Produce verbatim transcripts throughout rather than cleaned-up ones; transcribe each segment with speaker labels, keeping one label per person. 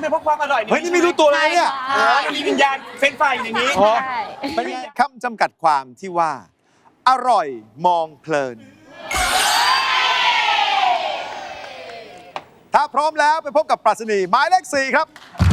Speaker 1: เพราะความอร่อย
Speaker 2: เฮ้ยนี่ไม่รู้ตัวเลยเนี่ย
Speaker 1: เออมันมีวิญญาณเฟ้นไฟอย่างนี้
Speaker 2: อ๋อเป็นไงคำจำกัดความที่ว่า อร่อยมองเพลิน ถ้าพร้อมแล้วไปพบกับปรัชนีหมายเลขสี่ครับ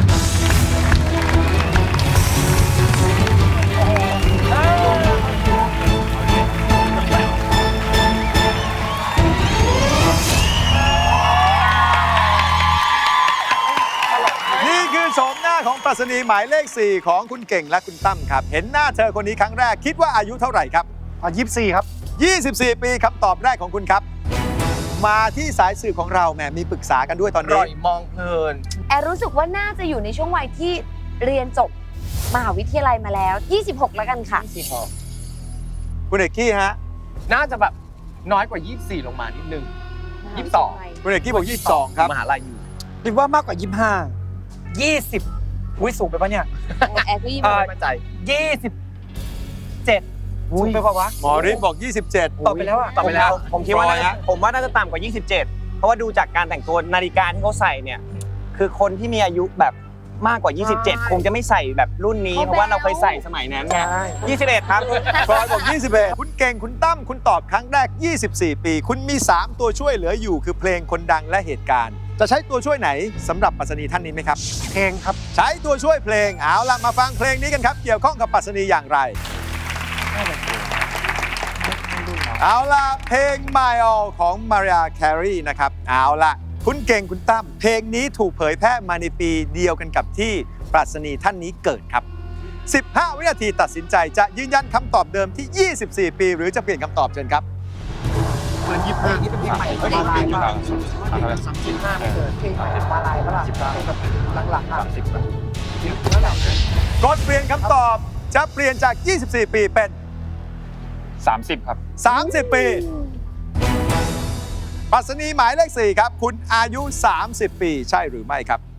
Speaker 2: นี่คือโฉมหน้าของปรัชนีหมายเลขสี่ของคุณเก่งและคุณตั้มครับ เห็นหน้าเธอคนนี้ครั้งแรกคิดว่าอายุเท่าไหร่ครับ
Speaker 3: อ่ะยี่สิบสี่ครับ
Speaker 2: ยี่สิบสี่ ปีคำตอบแรกของคุณครับ มาที่สายสื่อของเราแหมมีปรึกษากันด้วยตอน
Speaker 1: อ
Speaker 2: นี้
Speaker 1: ร่อยมองเพลิน
Speaker 4: แอร์รู้สึกว่าน่าจะอยู่ในช่วงวัยที่เรียนจบมหาวิทยาลัยมาแล้ว ยี่สิบหก แล้วกันค่ะ
Speaker 1: สี่หก
Speaker 2: คุณเอกกี้ฮะ
Speaker 1: น่าจะแบบน้อยกว่ายี่สิบสี่ลงมานิดนึง ยี่สิบสอง
Speaker 2: คุณเอกกี้บอกยี่สิบสองครับ
Speaker 1: มหาลัยอยู่
Speaker 3: คิดว่ามากกว่ายี่สิบห้า ยี่สิบอุ้ยสูงไปปะเนี่ย
Speaker 4: แอร์ก็ยี่สิบ
Speaker 3: อ่า
Speaker 1: ไม่มั่นใจ
Speaker 3: ยี่สิบเจ็ดสูงไปปะวะ
Speaker 2: หมอฤทธิ์บอกยี่สิบเจ็ด
Speaker 3: ตอบไปแล้วอะ
Speaker 1: ตอบไปแล้ว
Speaker 5: ผมคิดว่า
Speaker 2: ร้อ
Speaker 5: น่าย จะ
Speaker 2: ฮะ
Speaker 5: ผมว่าน่าจะต่ำกว่า ยี่สิบเจ็ด เพราะว่าดูจากการแต่งตัวนาฬิกาที่เขาใส่เนี่ย คือคนที่มีอายุแบบมากกว่า ยี่สิบเจ็ด คงจะไม่ใส่แบบรุ่นนี้ เพราะว่าเราเคยใส่สมัยนั้นไงยี่สิบเอ็ด ครับ
Speaker 2: ฟลอยบอกยี่สิบเอ็ดคุณเก่งคุณตั้มคุณตอบครั้งแรก ยี่สิบสี่ ปี คุณมี สาม ตัวช่วยเหลืออยู่คือเพลงคนดังและเหตุการณ์ จะใช้ตัวช่วยไหนสำหรับปรัชนีท่านนี้ไหมครับ
Speaker 3: เพลงครับ
Speaker 2: ใช้ตัวช่วยเพลงเอาล่ะมาฟังเพลงนี้กันครับ เกี่ยวข้องกับปรัชนีอย่างไร เอาล่ะเพลง My All ของ Mariah Carey นะครับเอาล่ะคุณเก่งคุณตั้มเพลงนี้ถูกเผยแพร่มาในปีเดียวกันกับที่ปรัชนีท่านนี้เกิดครับ สิบห้า วินาทีตัดสินใจจะยืนยันคำตอบเดิมที่ ยี่สิบสี่ ปี หรือจะเปลี่ยนคำตอบเชิญครับ
Speaker 3: เพลงนี้เป็นเพลงใหม่เพลงใหม่ป่ะสามสิบห้าไม่เกินเพลงใหม่มาลายปะล่ะหลังๆอ่ะสิบแล้วแหละ
Speaker 2: กดเปลี่ยนคำตอบจะเปลี่ยนจาก ยี่สิบสี่ ปีเป็น
Speaker 6: สามสิบ ครับ
Speaker 2: สามสิบ ปีปรัชนีหมายเลขสี่ครับ คุณอายุ สามสิบ ปีใช่หรือไม่ครับ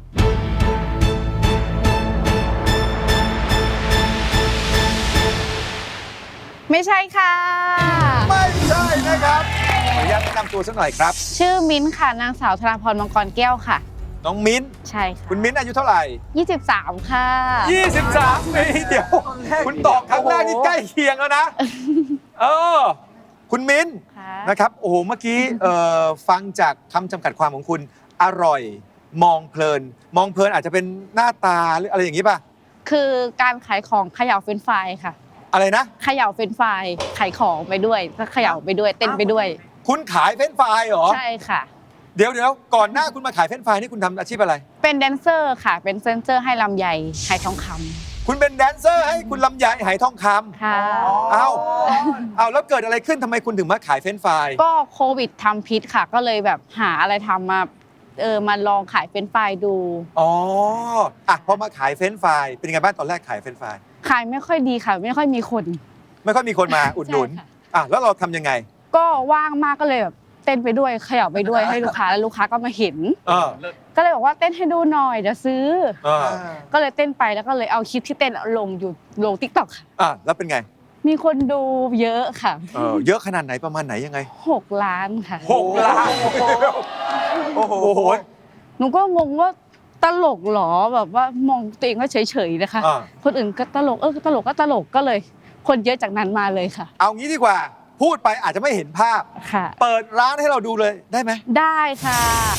Speaker 7: ไม่ใช่ค่ะ
Speaker 2: ไม่ใช่นะครับขออนุญาตแนะนำตัวสักหน่อยครับ
Speaker 7: ชื่อมิ้นท์ค่ะ นางสาวธนาพรมังกรแก้วค่ะ
Speaker 2: น้องมิ้น
Speaker 7: ใช่ค่ะ
Speaker 2: คุณมิ้นอายุเท่าไหร่
Speaker 7: ยี่สิบสามค่ะ
Speaker 2: ยี่สิบสาม ปีเดี๋ยว คุณตอบครั้งแรกนี่ใกล้เคียงแล้วนะ เออ คุณมิ้น
Speaker 7: ค่ะ
Speaker 2: นะครับ โอ้โห เมื่อกี้เอ่อฟังจากคำจำกัดความของคุณ อร่อย มองเพลิน มองเพลินอาจจะเป็นหน้าตาหรืออะไรอย่างนี้ป่ะ
Speaker 7: คือการขายของเขย่าเฟรนช์ฟรายค่ะ
Speaker 2: อะไรนะ
Speaker 7: เขย่าเฟรนช์ฟรายขายของไปด้วยก็เขย่าไปด้วยเต้นไปด้วย
Speaker 2: คุณขายเฟรนช์ฟรายเหรอ
Speaker 7: ใช่ค่ะ
Speaker 2: เดี๋ยวเดี๋ยวก่อนหน้าคุณมาขายเฟรนช์ฟรายนี่คุณทำอาชีพอะไร
Speaker 7: เป็นแดนเซอร์ค่ะ เป็นแดนเซอร์ให้ลำไยขายทองคำ
Speaker 2: คุณเป็นแดนเซอร์ให้คุณลำไยไหทองคำ
Speaker 7: ค่ะ
Speaker 2: เอ้าเอ้าแล้วเกิดอะไรขึ้นทำไมคุณถึงมาขายเฟรนช์ฟราย
Speaker 7: ก็โควิดทำพิษค่ะ ก็เลยแบบหาอะไรทำมาเออมาลองขายเฟรนช์ฟรายดู
Speaker 2: อ๋ออ่ะพอมาขายเฟรนช์ฟรายเป็นยังไงบ้างตอนแรกขายเฟรนช์ฟราย
Speaker 7: ขายไม่ค่อยดีค่ะ ไม่ค่อยมีคน
Speaker 2: ไม่ค่อยมีคนมาอุดหนุน
Speaker 7: ใช่ค่ะ
Speaker 2: อ่ะแล้วเราทำยังไง
Speaker 7: ก็ว่างมากก็เลยแบบเต้นไปด้วยเขย่าไปด้วยให้ลูกค้าแล้วลูกค้าก็มาเห็น
Speaker 2: เออ
Speaker 7: ก็เลยบอกว่าเต้นให้ดูหน่อยเดี๋ยวซื้อ
Speaker 2: เออ
Speaker 7: ก็เลยเต้นไปแล้วก็เลยเอาคลิปที่เต้นลงอยู่ลงทิกตอกค่ะ
Speaker 2: อ่ะแล้วเป็นไง
Speaker 7: มีคนดูเยอะค่ะ
Speaker 2: เออเยอะขนาดไหนประมาณไหนยังไง
Speaker 7: หกล้านค่ะ
Speaker 2: หกล้านโอ้โห
Speaker 7: หนูก็งงว่าตลกเหรอแบบว่ามองตัวเองก็เฉยๆนะคะ
Speaker 2: อ่า
Speaker 7: คนอื่นก็ตลกเออตลกก็ตลกก็เลย คนเยอะจากนั้นมาเลยค่ะ
Speaker 2: เอางี้ดีกว่า พูดไปอาจจะไม่เห็นภาพ
Speaker 7: ค่ะ
Speaker 2: เปิดร้านให้เราดูเลยได้ไหม
Speaker 7: ได้ค่ะ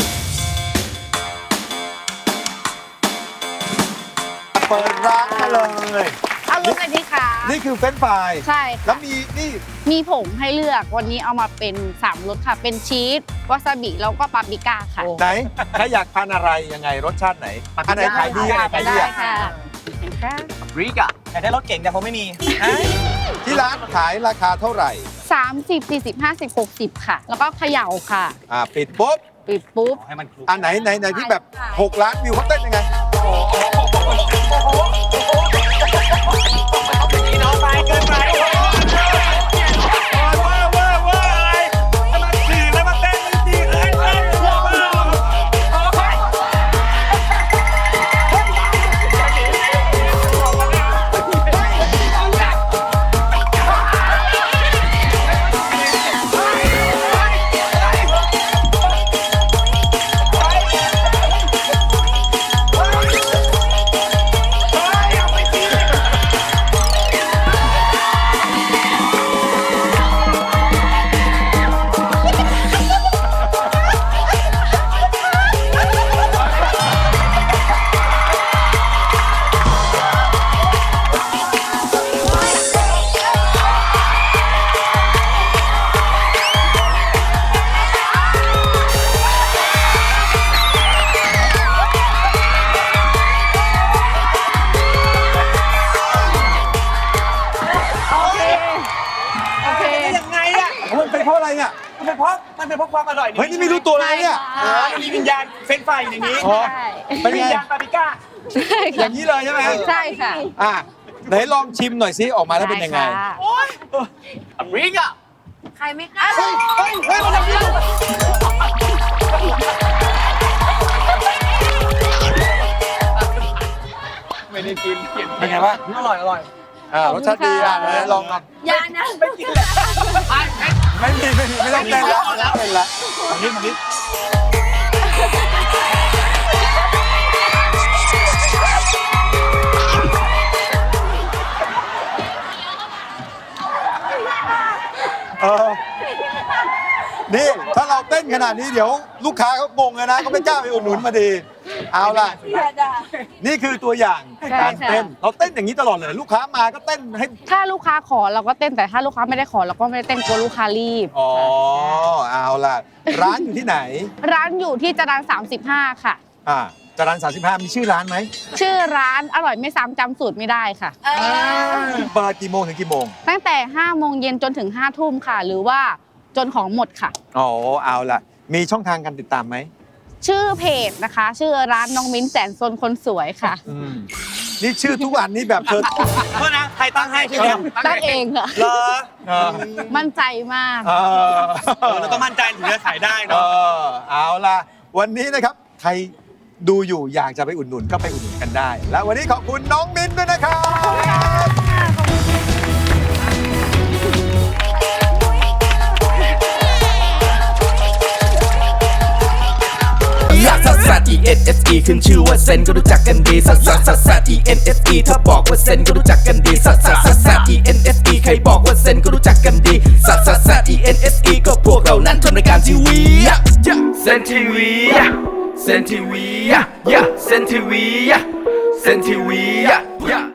Speaker 2: เปิดร้านมาเลย
Speaker 7: เอาลงเลยดีค่ะ
Speaker 2: นี่คือเฟรนช์ฟราย
Speaker 7: ใช่
Speaker 2: แล้
Speaker 7: ค่ะ
Speaker 2: วมีนี่
Speaker 7: มีผงให้เลือกวันนี้เอามาเป็นสามรสค่ะ เป็นชีสวาซาบิแล้วก็ปาปริก้าค่ะ
Speaker 2: ไหนใครอยากทานอะไรยังไงรสชาติไหนอันไหนขายดีอันไหนขายดี
Speaker 7: ได้
Speaker 2: อ่ะ
Speaker 7: ค่ะ
Speaker 1: ริกอะ
Speaker 5: อยากได้รถเก่งแต่ผมไม่มี
Speaker 2: ที่ร้านขายราคาเท่าไหร่
Speaker 7: สามสิบสี่สิบห้าสิบหกสิบค่ะ แล้วก็เขย่าค่ะ
Speaker 2: อ่าปิดปุ๊บ
Speaker 7: ปิดปุ๊บ
Speaker 5: ให้มันคลุก
Speaker 2: อันไหนไหนไหนที่แบบหกล้านวิวเขาเต้นยังไง
Speaker 1: นี่น้องไปเกินไป
Speaker 2: เพราะอะไรเนี่ย
Speaker 5: มันเป็นเพราะมันเป็นเพราะความอร่อย
Speaker 2: เฮ้ยนี่ไม่รู้ตัวเลยเนี่ย
Speaker 5: เออมันมีวิญญาณเฟ้นไฟอย่างนี้
Speaker 2: อ๋อ
Speaker 7: ใช่
Speaker 2: เป็น
Speaker 5: วิ
Speaker 2: ไง
Speaker 5: ญญาณปาปริก้า
Speaker 2: อย่างนี้เลยใช่ไหม
Speaker 7: ใช่ค่ะ
Speaker 2: อ่ะไหนลองชิมหน่อยซิออกมาแล้วเป็นยังไง
Speaker 7: ด้ค่ะ
Speaker 1: อเมริกา
Speaker 4: ใครไม่กล้า
Speaker 2: เฮ้ยเฮ้ยเฮ้ยมันทำยังไง
Speaker 1: ไม่ได้กินเปลี่ยน
Speaker 2: เป็นไงบ้าง
Speaker 5: อร่อยอร่อย
Speaker 2: อ่ารสชาติดีอ่ะไหนลองลอง
Speaker 4: อย่านะ
Speaker 2: ไม่มีไม่มีไม่ต้องเต้นแล้วไม่ต้องเต้นแล้วอันนี้อันนี้เออนี่ถ้าเราเต้นขนาดนี้เดี๋ยวลูกค้าเขางงเลยนะเขาไม่กล้าไปอุดหนุนมาดี เอาล่ะ นี่คือตัวอย่าง
Speaker 7: ใช่
Speaker 2: การ
Speaker 7: ค่ะ
Speaker 2: เต้น เราเต้นอย่างนี้ตลอดเลย ลูกค้ามาก็เต้นให้
Speaker 7: ถ้าลูกค้าขอเราก็เต้นแต่ถ้าลูกค้าไม่ได้ขอเราก็ไม่ได้เต้นกลัวลูกค้ารีบ
Speaker 2: อ๋อ เอาล่ะ ร้านอยู่ที่ไหน
Speaker 7: ร้านอยู่ที่จรัญสามสิบห้าค่ะ
Speaker 2: อ่าจรัญสามสิบห้ามีชื่อร้านไหม
Speaker 7: ชื่อร้านอร่อยไม่ซ้ำจำสูตรไม่ได้ค่ะ
Speaker 4: เออ
Speaker 2: เปิดกี่โมงถึงกี่โมง
Speaker 7: ตั้งแต่ห้าโมงเย็นจนถึงห้าทุ่มค่ะ หรือว่าจนของหมดค่ะ
Speaker 2: อ๋อ เอาล่ะ มีช่องทางการติดตามไหม
Speaker 7: ชื่อเพจนะคะ ชื่อร้านน้องมิ้นแสนซนคนสวยค่ะ
Speaker 2: อืม นี่ชื่อทุกอันนี่แบบเธอ
Speaker 5: โทษนะ ใครตั้งให้ใช่ไหม
Speaker 7: ตั้งเองค่ะ
Speaker 5: เหรอ
Speaker 2: เออ
Speaker 7: มั่นใจมาก
Speaker 2: เออ
Speaker 5: เออเราต้องมั่นใจถึงจะขายได้
Speaker 2: เอ
Speaker 5: เนาะ
Speaker 2: อเอาล่ะ วันนี้นะครับ ใครดูอยู่อยากจะไปอุดหนุนก็ไปอุดหนุนกันได้ และวันนี้ขอบคุณน้องมิ้นด้วยนะครับ
Speaker 8: ลักซัสซัส E N S E ขึ้นชื่อว่าเซนก็รู้จักกันดีซัสซัสซัสซัส E N S E ถ้าบอกว่าเซนก็รู้จักกันดีซัสซัสซัสซัส E N S E ใครบอกว่าเซนก็รู้จักกันดีซัสซัสซัส E N S E ก็พวกเรานั้นทำรายการทีวีเซนทีวีเซนทีวีเซนทีวีเซนทีวี